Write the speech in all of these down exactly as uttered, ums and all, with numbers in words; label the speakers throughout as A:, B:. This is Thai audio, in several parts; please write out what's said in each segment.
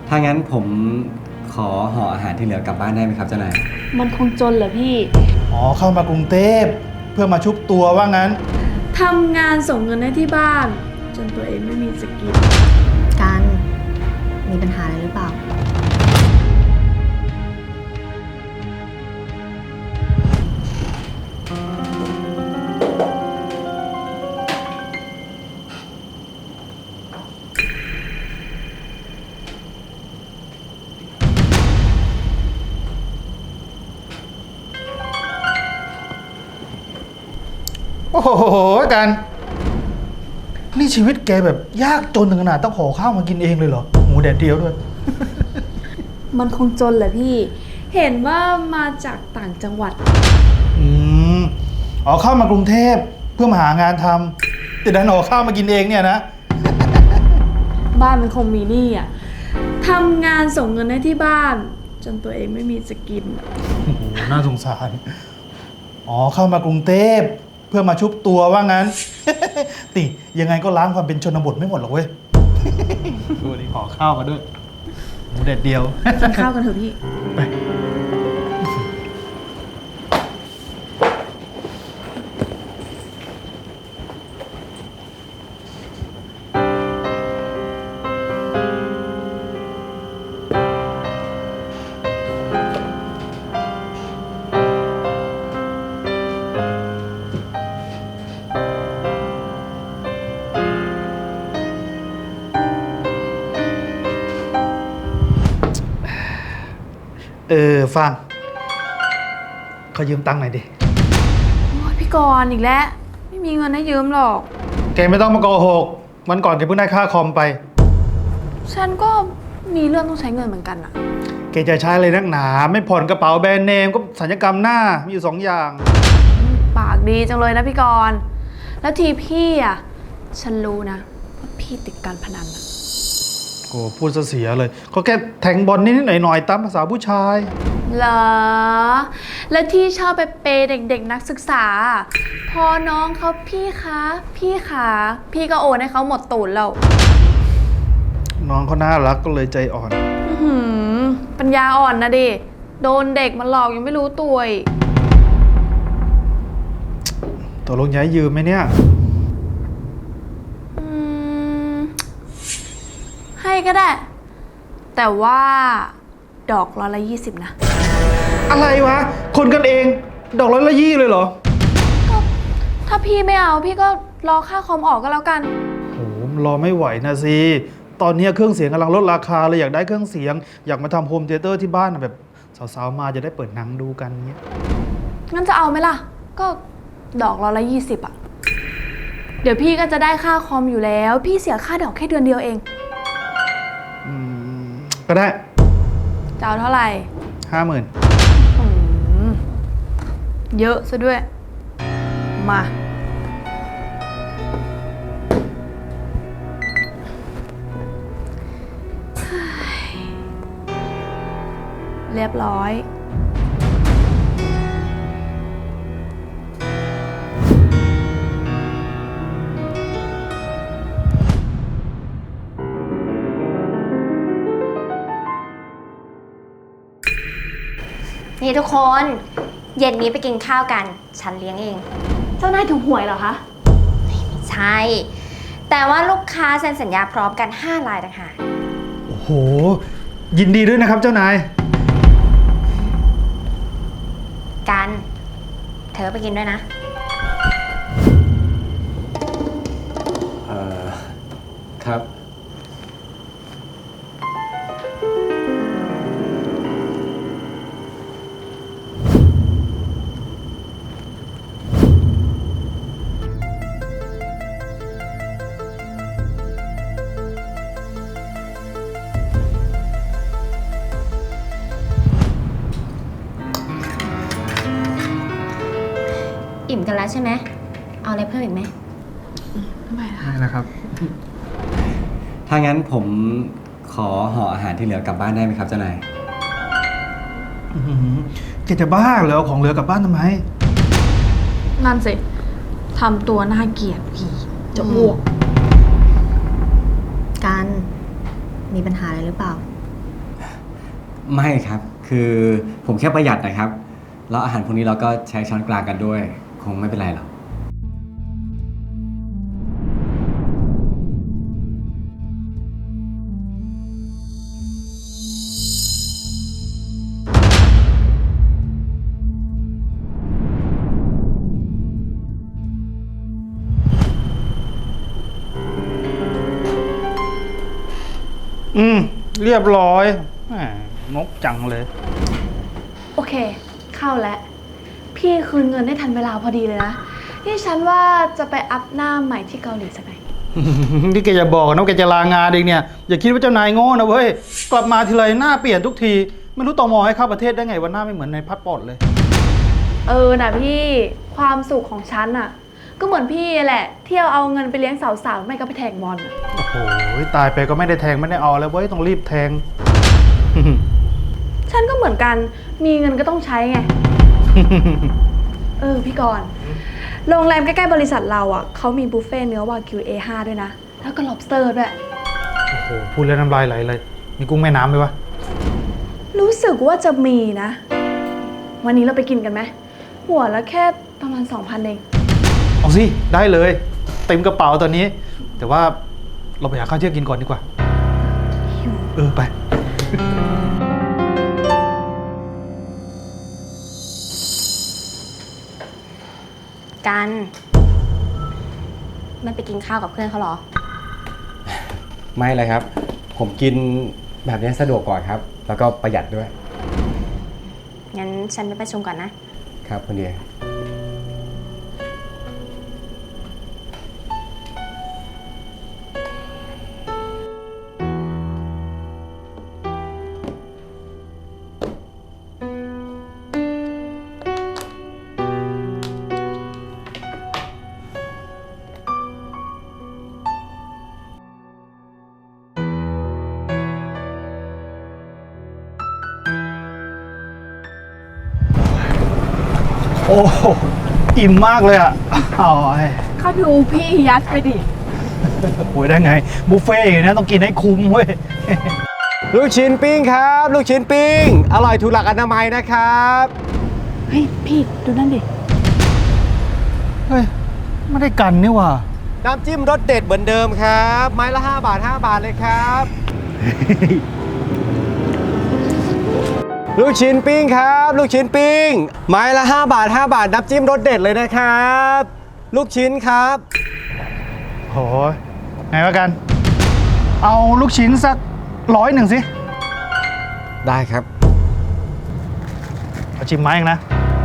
A: ถ้างั้นผมขอห่ออาหารที่เหลือกลับบ้านได้ไหมครับเจ้านาย
B: มันคงจนเหรอพี่
C: อ๋อเข้ามากรุงเทพเพื่อมาชุบตัวว่างั้น
B: ทำงานส่งเงินให้ที่บ้านจนตัวเองไม่มีสกิน
D: กันมีปัญหาอะไรหรือเปล่า
C: โอ้โหกันนี่ชีวิตแกแบบยากจนถึงขนาดต้องขอข้าวมากินเองเลยเหรอหมูแดดเดียวด้วย
B: มันคงจนแหละพี่เห็นว่ามาจากต่างจังหวัด
C: อืมอ๋อเข้ามากรุงเทพเพื่อมาหางานทำแต่ดันออกข้าวมากินเองเนี่ยนะ
B: บ้านมันคงมีหนี้อ่ะทำงานส่งเงินให้ที่บ้านจนตัวเองไม่มีสกิน
C: โอ้โหน่าสงสารอ๋อเข้ามากรุงเทพเพื่อมาชุบตัวว่างั้น ติยังไงก็ล้างความเป็นชนบทไม่หมดหรอกเว้ย ดูดิขอข้าวมาด้วยหมูแดดเดียว
B: กินข้าวกันเถอะพี่
C: ไปเออฟังขอยืมตังค์หน่อยดิ
B: โอ้ยพี่กรณ์อีกแล้วไม่มีเงินให้ยืมหรอก
C: แกไม่ต้องมาโกหกวันก่อนแกเพิ่งได้ค่าคอมไป
B: ฉันก็มีเรื่องต้องใช้เงินเหมือนกันอะ
C: แกจะใช้อะไรนักหนาไม่ผ่อนกระเป๋าแบรนด์เนมก็สัญญกรรมหน้ามีอยู่สองอย่าง
B: ปากดีจังเลยนะพี่กรณ์แล้วทีพี่อะฉันรู้นะว่าพี่ติดการพนันอะ
C: โอ้พูดเสียเลยเขาแค่แทงบอลนิดๆหน่อยๆตามภาษาผู้ชาย
B: เหรอแล้วที่ชอบไปเปย์เด็กๆนักศึกษาพอน้องเขาพี่คะพี่ขาพี่ก็โอนให้เขาหมดตูดแล้ว
C: น้องเขาน่ารักก็เลยใจอ่อน
B: หืมปัญญาอ่อนนะดิโดนเด็กมันหลอกยังไม่รู้ตัวอีก
C: ตกลงย้ายยืมไหมเนี่ย
B: อืมให้ก็ได้แต่ว่าดอกร้อยละยี่สิบนะ
C: อะไรวะคนกันเองดอกร้อยละยี่เลยเหรอ
B: ก็ถ้าพี่ไม่เอาพี่ก็รอค่าคอมออกก็แล้วกัน
C: โหรอไม่ไหวนะสิตอนนี้เครื่องเสียงกำลังลดราคาเลยอยากได้เครื่องเสียงอยากมาทำโฮมเธียเตอร์ที่บ้านแบบสาวๆมาจะได้เปิดหนังดูกันเงี้ย
B: งั้นจะเอาไหมล่ะก็ดอกร้อยละยี่สิบอ่ะเดี๋ยวพี่ก็จะได้ค่าคอมอยู่แล้วพี่เสียค่าดอกแค่เดือนเดียวเอง
C: อืมก็ได้
B: จะเอาเท่าไหร่
C: ห้าหมื่น
B: เยอะซะด้วยมาเรียบร้อย
D: นี่ทุกคนเย็นนี้ไปกินข้าวกันฉันเลี้ยงเอง
B: เจ้านายถูกหวยเหรอคะ
D: ไม่ใช่แต่ว่าลูกค้าเซ็นสัญญาพร้อมกันห้ารายต่างหาก
C: โอ้โหยินดีด้วยนะครับเจ้านาย
D: กันเธอไปกินด้วยนะ
A: เอ่อครับ
D: อิ่มกันแล้วใช่ไหมเอาอะไรเพิ่มอีกไหม
B: ไม่
C: ไม่นะครับ
A: ถ้างั้นผมขอห่ออาหารที่เหลือกลับบ้านได้ไหมครับเจ้านาย
C: แกจะบ้าเหรอของเหลือกลับบ้านทำไม
B: นั่นสิทำตัวน่าเกลียดผีจะอ้วก
D: กันมีปัญหาอะไรหรือเปล่า
A: ไม่ครับ คือผมแค่ประหยัดนะครับ แล้วอาหารพวกนี้เราก็ใช้ช้อนกลางกันด้วย คงไม่เป็นไรหรอก
C: อืม เรียบร้อยแหมนกจังเลย
B: โอเค เข้าแล้ว พี่คืนเงินได้ทันเวลาพอดีเลยนะ ที่ฉันว่าจะไปอัพหน้าใหม่ที่เกาหลีสักหน่อย
C: ที่แกจะบอกนะว่าแกจะลางานเองเนี่ย อย่าคิดว่าเจ้านายโง่นะเว้ย กลับมาทีไรหน้าเปลี่ยนทุกที ไม่รู้ตมให้เข้าประเทศได้ไงวันหน้าไม่เหมือนในพาสปอร์ตเลย
B: เออนะพี่ความสุขของฉันอะก็เหมือนพี่แหละเที่ยวเอาเงินไปเลี้ยงสาวๆไม่ก็ไปแทงบอลอะ
C: โอ้โหตายไปก็ไม่ได้แทงไม่ได้เอาแล้วเว้ยต้องรีบแทง
B: ฉันก็เหมือนกันมีเงินก็ต้องใช้ไง เออพี่กรณ์โรงแรมใกล้ๆบริษัทเราอ่ะเขามีบุฟเฟ่ต์เนื้อวากิว เอ ห้า ด้วยนะ แล้วก็ lobster ด้วย
C: โอ้โหพูดแล้วน้ำลายไหลเลย มีกุ้งแม่น้ำไหมวะ
B: รู้สึกว่าจะมีนะ วันนี้เราไปกินกันไหมหัวละแค่ประมาณ สองพัน เอง
C: เอาสิ ได้เลย เต็มกระเป๋าตอนนี้ แต่ว่าเราไปหาข้าวเที่ยงกินก่อนดีกว่า เออ ไป
D: กันไม่ไปกินข้าวกับเพื่อนเขาเหรอ
A: ไม่เลยครับ ผมกินแบบนี้สะดวกกว่าครับ แล้วก็ประหยัดด้วย
D: งั้นฉันไปประชุมก่อนนะ
A: ครับคุณเดีย
C: โอ้โหอิ่มมากเลยอ่ะอ๋อไอ้
B: เขาดูพี่ยัดไปดิ
C: โอ้ยได้ไง บุฟเฟ่ต์อย่างนี้ต้องกินให้คุ้มเว้ย
A: ลูกชิ้นปิ้งครับ ลูกชิ้นปิ้ง อร่อยถูกหลักอนามัยนะครับ
B: เฮ้ยพี่ดูนั่นดิ
C: เฮ้ย ไม่ได้กันนี่หว่า
A: น้ำจิ้มรสเด็ดเหมือนเดิมครับ ไม้ละห้าบาทห้าบาทเลยครับ ลูกชิ้นปิ้งครับ ลูกชิ้นปิ้ง ไม้ละห้าบาทห้าบาทน้ำจิ้มรสเด็ดเลยนะครับ ลูกชิ้นครับ
C: โหยไงวะกัน เอาลูกชิ้นสักร้อยหนึ่งสิ
A: ได้ครับ
C: เอาชิมไม้เองนะ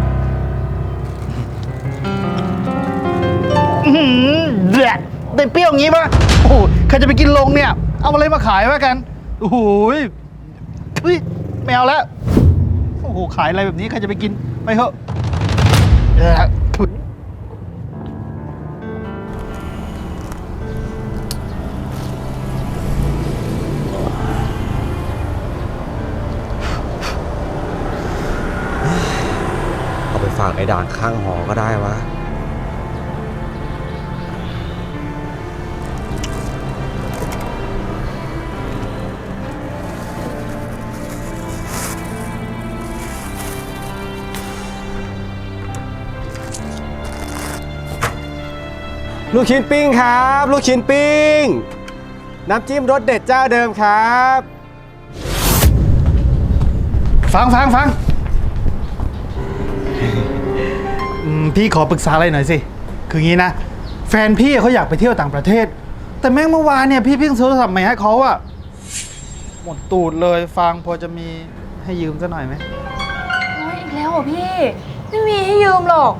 C: อื้อหือเดือดได้เปรี้ยวอย่างงี้ปะโอ้โหใครจะไปกินลงเนี่ย เอาอะไรมาขายวะกัน โอ้โหยเฮ้ยไม่เอาแล้ว โอ้โห ขายอะไรแบบนี้ ใครจะไปกิน ไปเถอะเดี๋ยวนะถุย
A: เอาไปฝากไอ้ด่านข้างหอก็ได้วะ ลูกชิ้นปิ้งครับ ลูกชิ้นปิ้ง น้ำจิ้มรสเด็ดเจ้าเดิมครับ
C: ฟังฟังฟังอืมพี่ขอปรึกษาอะไรหน่อยสิ คืองี้นะ แฟนพี่เขาอยากไปเที่ยวต่างประเทศ แต่แม่งเมื่อวานเนี่ยพี่เพิ่งซื้อโทรศัพท์ใหม่ให้เขาอะหมดตูดเลยฟังพอจะมีให้ยืมสักหน่อยไหม
B: โอ้ยอีกแล้วเหรอพี่ ไม่มีให้ยืมหรอก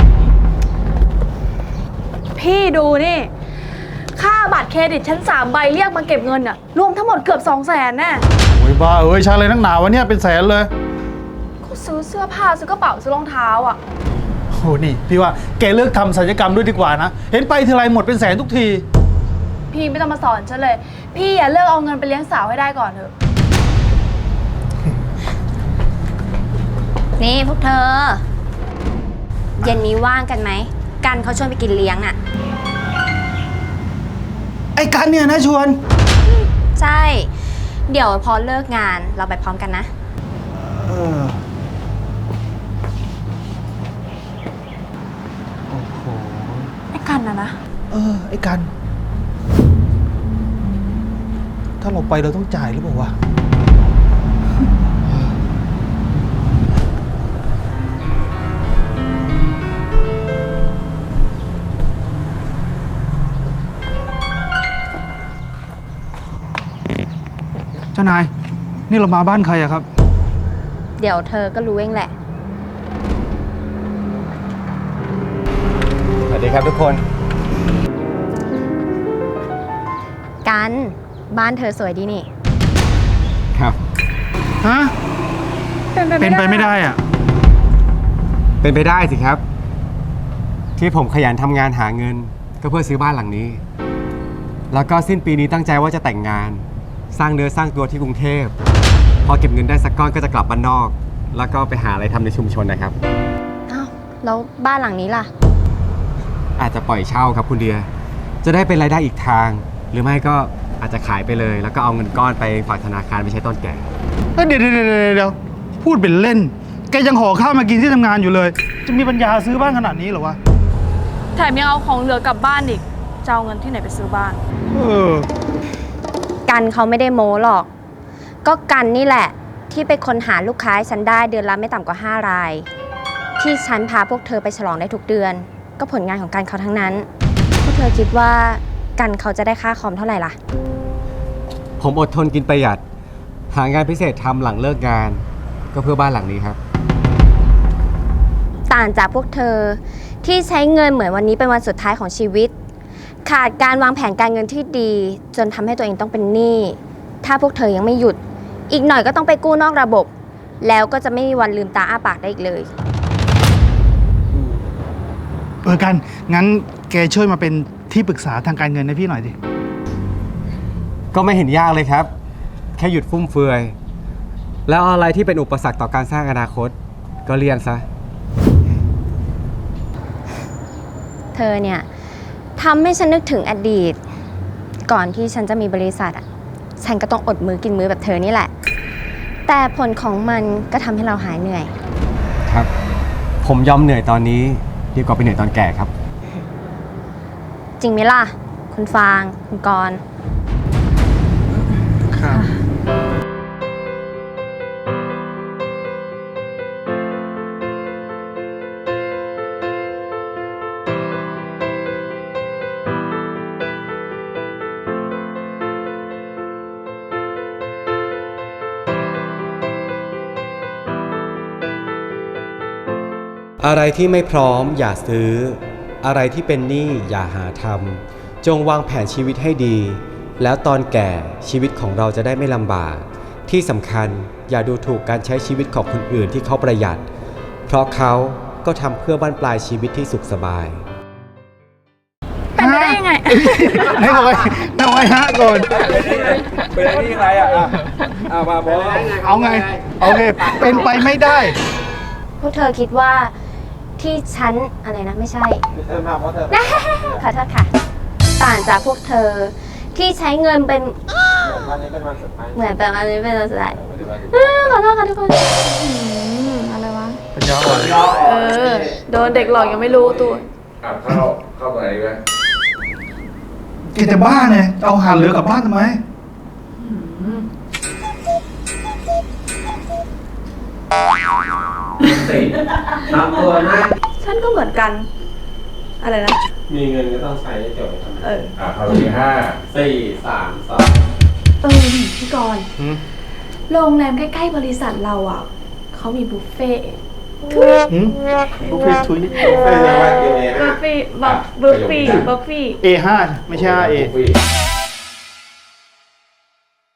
B: พี่ดูนี่ ค่าบัตรเครดิตชั้นสามใบเรียกมาเก็บเงินอะรวมทั้งหมดเกือบสองแสนแน่
C: โอ้ยบ้าเอ้ยใช้อะไรนักหนาวะเนี่ยเป็นแสนเลย
B: ก็ซื้อเสื้อผ้าซื้อกระเป๋าซื้อรองเท้าอะ
C: โอ้นี่พี่ว่าแกเลิกทำศัลยกรรมด้วยดีกว่านะ เห็นไปทีไรหมดเป็นแสนทุกที
B: พี่ไม่ต้องมาสอนฉันเลย พี่อย่าเลิกเอาเงินไปเลี้ยงสาวให้ได้ก่อนเถอะ
D: นี่พวกเธอ เย็นนี้ว่างกันไหม กันเขาชวนไปกินเลี้ยงอะ
C: ไอ้กันเนี่ยนะชวน
D: ใช่ เดี๋ยวพอเลิกงานเราไปพร้อมกันนะ
C: เออโอ้โห
B: ไอ้กันนะนะ
C: เออ ไอ้กัน ถ้าเราไปเราต้องจ่ายหรือเปล่าวะ เจ้านาย นี่เรามาบ้านใครอะครับ
D: เดี๋ยวเธอก็รู้เองแหละ
A: สวัสดีครับทุกคน
D: กันบ้านเธอสวยดีนี่
A: ครับ
C: ฮะ เป็นไปไม่ได้อะ
A: เป็นไปได้สิครับ ที่ผมขยันทำงานหาเงิน ก็เพื่อซื้อบ้านหลังนี้ แล้วก็สิ้นปีนี้ตั้งใจว่าจะแต่งงาน สร้างเนื้อสร้างตัวที่กรุงเทพ พอเก็บเงินได้สักก้อนก็จะกลับบ้านนอก แล้วก็ไปหาอะไรทำในชุมชนนะครับ
D: อ้าว แล้วบ้านหลังนี้ล่ะ
A: อาจจะปล่อยเช่าครับคุณเดีย จะได้เป็นรายได้อีกทาง หรือไม่ก็อาจจะขายไปเลย แล้วก็เอาเงินก้อนไปฝากธนาคารไปใช้ตอนแก่
C: เฮ้ยเดี๋ยวเดี๋ยวเดี๋ยวเดี๋ยวพูดเป็นเล่น แกยังห่อข้าวมากินที่ทำงานอยู่เลย จะมีปัญญาซื้อบ้านขนาดนี้เหรอวะ
B: แถมยังเอาของเหลือกลับบ้านอีก จะเอาเงินที่ไหนไปซื้อบ้าน
C: เออ
D: กันเขาไม่ได้โม้หรอก ก็กันนี่แหละ ที่ไปค้นหาลูกค้าให้ฉันได้เดือนละไม่ต่ำกว่าห้าราย ที่ฉันพาพวกเธอไปฉลองได้ทุกเดือน ก็ผลงานของกันเขาทั้งนั้น พวกเธอคิดว่ากันเขาจะได้ค่าคอมเท่าไหร่ล่ะ
A: ผมอดทนกินประหยัด หางานพิเศษทำหลังเลิกงาน ก็เพื่อบ้านหลังนี้ครับ
D: ต่างจากพวกเธอที่ใช้เงินเหมือนวันนี้เป็นวันสุดท้ายของชีวิต ขาดการวางแผนการเงินที่ดี จนทำให้ตัวเองต้องเป็นหนี้ ถ้าพวกเธอยังไม่หยุด อีกหน่อยก็ต้องไปกู้นอกระบบ แล้วก็จะไม่มีวันลืมตาอ้าปากได้อีกเลย
C: เออกัน งั้นแกช่วยมาเป็นที่ปรึกษาทางการเงินให้พี่หน่อยดิ
A: ก็ไม่เห็นยากเลยครับ แค่หยุดฟุ่มเฟือย แล้วอะไรที่เป็นอุปสรรคต่อการสร้างอนาคต ก็เลี่ยงซะ
D: เธอเนี่ยทำให้ฉันนึกถึงอดีต ก่อนที่ฉันจะมีบริษัทอ่ะ ฉันก็ต้องอดมือกินมือแบบเธอนี่แหละ แต่ผลของมันก็ทำให้เราหายเหนื่อย
A: ครับ ผมยอมเหนื่อยตอนนี้ดีกว่าไปเหนื่อยตอนแก่ครับ
D: จริงไหมล่ะ คุณฟาง คุณกรณ์
C: ครับ
A: อะไรที่ไม่พร้อมอย่าซื้อ อะไรที่เป็นหนี้อย่าหาทำจงวางแผนชีวิตให้ดี แล้วตอนแก่ชีวิตของเราจะได้ไม่ลำบาก ที่สำคัญอย่าดูถูกการใช้ชีวิตของคนอื่นที่เขาประหยัด เพราะเขาก็ทำเพื่อบ้านปลายชีวิตที่สุขสบาย
B: เป็นไปได้ยังไง
C: ให้เอาไว้เอาไว้ฮะก่อน
E: เป็นไอ้นี่ใครอ่ะอ่ะอ่ะมาบอส
C: เอาไง โอเค เป็นไปไม่ได้
D: พวกเธอคิดว่าที่ฉันอะไรนะไม่ใช่
E: มาเพราะเธอ
D: ขอโทษค่ะ ต่างจากพวกเธอที่ใช้เงินเป็น
E: วันนี้เป็นวันสุดท้าย
D: เหมือนแบบอันนี้เป็นอะไร
E: ปฏิบัติ
D: เออขอโทษค่ะทุกคน
B: อืมอะไรวะ
C: ปัญญาอ่อน
B: เออ โดนเด็กหลอกยังไม่รู้ตัว
E: อ่ะเข้าเข้าตัวไหนดีไหม
C: แกจะบ้าเนี่ย เอาอาหารเหลือกลับบ้านทำไม
E: สี่ทำตัวนะ
B: ฉันก็เหมือนกัน อะไรนะ
E: มีเงินก็ต้องใช้ให้จบ
B: เออ
E: อ่ะเข้าที่ห้าสี่สามสอง
B: เออนี่พี่กรณ์โรงแรมใกล้ๆบริษัทเราอ่ะ เขามีบุฟเฟ่ต์
C: หืมบุฟเฟ่ทุย
E: เป็นยังไงเอ
B: บุฟเฟ่ต์บัฟบุฟเฟ่ต์บัฟเฟ่ต์
C: เอห้าไม่ใช่ A
E: บุฟเฟ่ต์